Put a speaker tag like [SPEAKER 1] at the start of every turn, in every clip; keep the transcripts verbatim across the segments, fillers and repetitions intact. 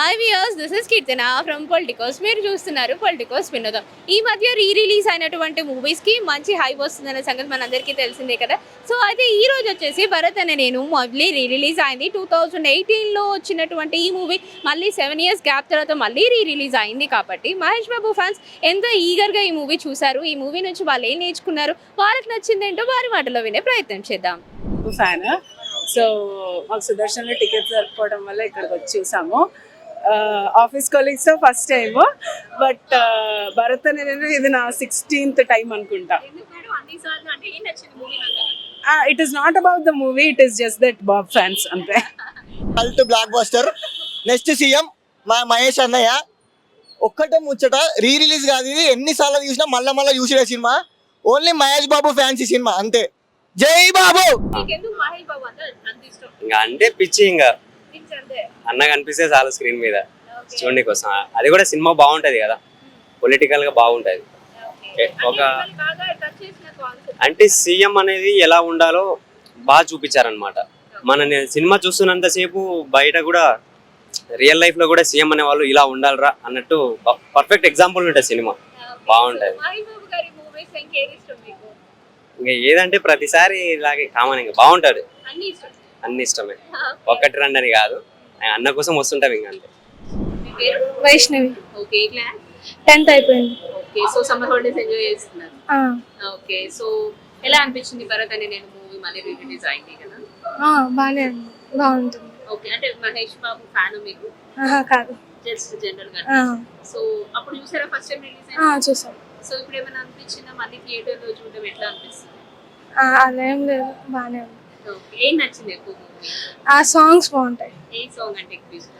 [SPEAKER 1] Hi viewers, this is Keerthana from Politicos. మీరు చూస్తున్నారు Politicos వినోదం. ఈ మధ్య రీ రిలీజ్ అయినటువంటి మూవీస్కి మంచి హైప్ వస్తుందనే సంగతి మనందరికీ తెలిసిందే కదా. సో అయితే ఈ రోజు వచ్చేసి భరత్ అనే నేను మళ్ళీ రీ రిలీజ్ అయింది. టూ థౌజండ్ ఎయిటీన్లో వచ్చినటువంటి ఈ మూవీ మళ్ళీ సెవెన్ ఇయర్స్ గ్యాప్ తర్వాత మళ్ళీ రీ రిలీజ్ అయింది. కాబట్టి మహేష్ బాబు ఫ్యాన్స్ ఎంతో ఈగర్గా ఈ మూవీ చూశారు. ఈ మూవీ నుంచి వాళ్ళు ఏం నేర్చుకున్నారు, వాళ్ళకి నచ్చిందేంటో వారి మాటలో వినే ప్రయత్నం చేద్దాం.
[SPEAKER 2] ఫ్యాన్ సో మాకు సుదర్శన్లో టికెట్స్ దొరకపోవడం వల్ల ఇక్కడికి వచ్చి చూసాము. ఆఫీస్ కొలీగ్స్తో first time, but Bharat Ane Nenu ఇది నా సిక్స్టీన్త్ టైం అనుకుంటా. It is not about the movie, it is just that బాబ్ ఫ్యాన్స్ అంతే.
[SPEAKER 3] Cult blockbuster. Next CM మా మహేష్ అన్నయ్య. ఒక్కటే ముచ్చట, రీ రిలీజ్ కాదు ఇది, ఎన్నిసార్లు చూసినా మళ్ళా మళ్ళీ చూసిన సినిమా. ఓన్లీ మహేష్ బాబు ఫ్యాన్స్ ఈ సినిమా అంతే. జై బాబు.
[SPEAKER 4] ఇంకా అంటే పిచ్చి, ఇంకా అన్న కనిపిస్తే చాలు స్క్రీన్ మీద చూడండి కోసం. అది కూడా సినిమా బాగుంటది కదా, పొలిటికల్ గా బాగుంటది. ఒక అంటే సీఎం అనేది ఎలా ఉండాలో బాగా చూపించారనమాట. మన సినిమా చూస్తున్నంత సేపు బయట కూడా రియల్ లైఫ్ లో కూడా సీఎం అనే వాళ్ళు ఇలా ఉండాలరా అన్నట్టు పర్ఫెక్ట్ ఎగ్జాంపుల్ ఉంటుంది సినిమా. బాగుంటది. ఇంకా ఏదంటే ప్రతిసారి ఇలాగే కామన్, ఇంకా బాగుంటాడు. అన్ని ఇష్టమే, ఒక్కటి రెండు అని కాదు, అన్న కోసం వస్తుంటాం ఇంకా అంతే.
[SPEAKER 5] వైష్ణవి.
[SPEAKER 1] ఓకే, క్లాస్
[SPEAKER 5] టెన్త్ అయిపోయింది.
[SPEAKER 1] Okay, so summer holidays enjoy చేస్తున్నారు. ఓకే, సో ఎలా అనిపించింది భరత్ అని నేను మూవీ మళ్ళీ రీ రిలీజ్ అయింది కదా?
[SPEAKER 5] బాగానే ఉంది, బాగుంటుంది.
[SPEAKER 1] ఓకే, అంటే మహేష్ బాబు ఫ్యాన్ మీకు?
[SPEAKER 5] కాదు,
[SPEAKER 1] జస్ట్ జనరల్ గా. సో అప్పుడు చూసారా ఫస్ట్ టైం రిలీజ్
[SPEAKER 5] అయింది? చూసాం.
[SPEAKER 1] సో ఇప్పుడు ఏమైనా అనిపించిందా మళ్ళీ థియేటర్ లో చూడడం ఎట్లా అనిపిస్తుంది?
[SPEAKER 5] అలా ఏం లేదు, బాగానే ఉంది.
[SPEAKER 1] ఓకే, ఏం నచ్చింది ఎక్కువ మూవీ?
[SPEAKER 5] ఆ సాంగ్స్ బాగుంటాయి.
[SPEAKER 1] ఏ సాంగ్ అంటే ఎక్కువ ఇష్టం?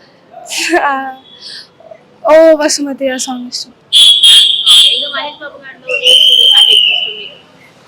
[SPEAKER 5] ఓ వసుమతి ఆ సాంగ్ ఇష్టం.
[SPEAKER 1] ఇంకా మహేష్ బాబు గారిలో ఏ మూవీ అంటే ఎక్కువ ఇష్టం మీకు?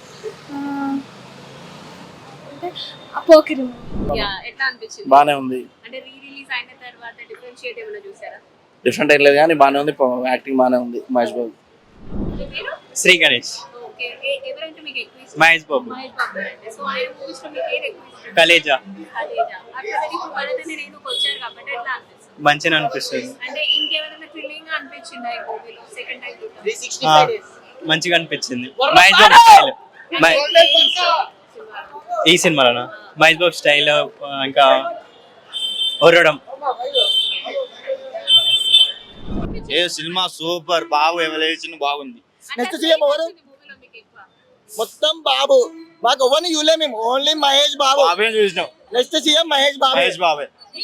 [SPEAKER 5] అంటే పోకిరి.
[SPEAKER 1] యా, ఎట్లా అనిపించింది?
[SPEAKER 6] బానే ఉంది.
[SPEAKER 1] అంటే రీ రిలీజ్ అయిన తర్వాత డిఫరెన్షియేట్ ఏమైనా చూసారా?
[SPEAKER 6] డిఫరెంట్ ఏం లేదు కానీ బానే ఉంది, యాక్టింగ్ బానే ఉంది మహేష్ బాబు.
[SPEAKER 4] శ్రీ గణేష్.
[SPEAKER 1] ఓకే, ఎవరంటే మీకు ఎక్కువ ఇష్టం?
[SPEAKER 4] మహేష్ బాబు.
[SPEAKER 1] మహేష్ బాబు అంటే సో ఆయన మూవీస్ లో మీకు ఏది ఎక్కువ ఇష్టం?
[SPEAKER 4] కలేజా.
[SPEAKER 1] కలేజా. అట్లా ఇప్పుడు భరత్ అనే నేను వచ్చారు కాబట్టి ఎట్లా అనిపిస్తుంది?
[SPEAKER 4] మంచిగా అనిపిస్తుంది.
[SPEAKER 1] అంటే ఇంకేమైనా థ్రిల్లింగ్ అనిపించిందా ఈ మూవీలో సెకండ్ టైం?
[SPEAKER 4] మంచిగా అనిపించింది. మహేష్ బాబు స్టైల్ ఈ సినిమాలోనా? మహేష్ బాబు స్టైల్ ఇంకా ఒరడం.
[SPEAKER 6] ఏ సినిమా సూపర్, బాబు ఎవరేషన్ బాగుంది.
[SPEAKER 3] నెక్స్ట్ సీఎం ఎవరు? మొత్తం బాబు. మాకు ఎవరిని చూలే మేము, ఓన్లీ మహేష్ బాబు.
[SPEAKER 6] బాబే చూసినాం.
[SPEAKER 3] Next CM Mahesh Babu.
[SPEAKER 6] మహేష్ బాబే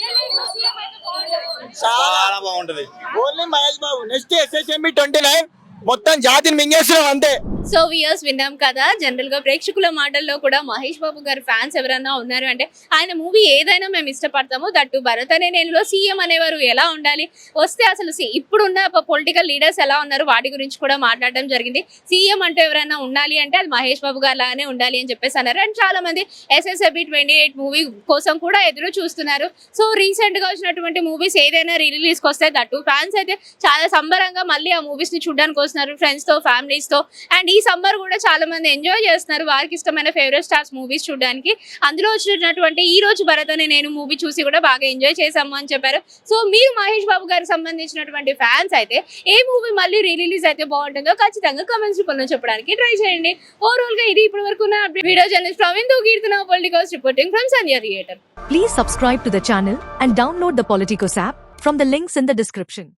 [SPEAKER 6] చాలా బాగుంటది.
[SPEAKER 3] Only Mahesh Babu. Next SSMB twenty nine మొత్తం జాతిని మింగేస్తున్నాం అంతే.
[SPEAKER 1] సో వ్యూయర్స్ విన్నాం కదా, జనరల్ గా ప్రేక్షకుల మాటల్లో కూడా మహేష్ బాబు గారి ఫ్యాన్స్ ఎవరన్నా ఉన్నారు అంటే ఆయన మూవీ ఏదైనా మేము ఇష్టపడతాము. దట్టు భరత్ అనే నేను సీఎం అనేవారు ఎలా ఉండాలి, వస్తే అసలు ఇప్పుడున్న పొలిటికల్ లీడర్స్ ఎలా ఉన్నారు వాటి గురించి కూడా మాట్లాడడం జరిగింది. సీఎం అంటూ ఎవరైనా ఉండాలి అంటే అది మహేష్ బాబు గారు లాగానే ఉండాలి అని చెప్పేసి అన్నారు. అండ్ చాలా మంది ఎస్ఎస్ఎబి ట్వంటీ ఎయిట్ మూవీ కోసం కూడా ఎదురు చూస్తున్నారు. సో రీసెంట్ గా వచ్చినటువంటి మూవీస్ ఏదైనా రీ రిలీజ్ కి వస్తే దట్టు ఫ్యాన్స్ అయితే చాలా సంబరంగా మళ్ళీ ఆ మూవీస్ ని చూడడానికి వస్తున్నారు ఫ్రెండ్స్ తో, ఫ్యామిలీస్ తో. అండ్ ఈ సమ్మర్ కూడా చాలా మంది ఎంజాయ్ చేస్తున్నారు వారికి ఇష్టమైన ఫేవరెట్ స్టార్స్ మూవీస్ చూడడానికి. అందులో వచ్చినటువంటి ఈ రోజు భరత్ అనే నేను మూవీ చూసి కూడా బాగా ఎంజాయ్ చేసాము అని చెప్పారు. సో మీరు మహేష్ బాబు గారికి సంబంధించినటువంటి ఫ్యాన్స్ అయితే ఏ మూవీ మళ్ళీ రీ రిలీజ్ అయితే బాగుంటుందో ఖచ్చితంగా కమెంట్స్ రూపంలో చెప్పడానికి ట్రై చేయండి. ఓవరాల్ గా ఇది ఇప్పటి వరకు video journalist Praveen Keerthana Politicos reporting from Sandhya theatre.
[SPEAKER 7] Please subscribe to the channel and download the Politicos app from the links in the description.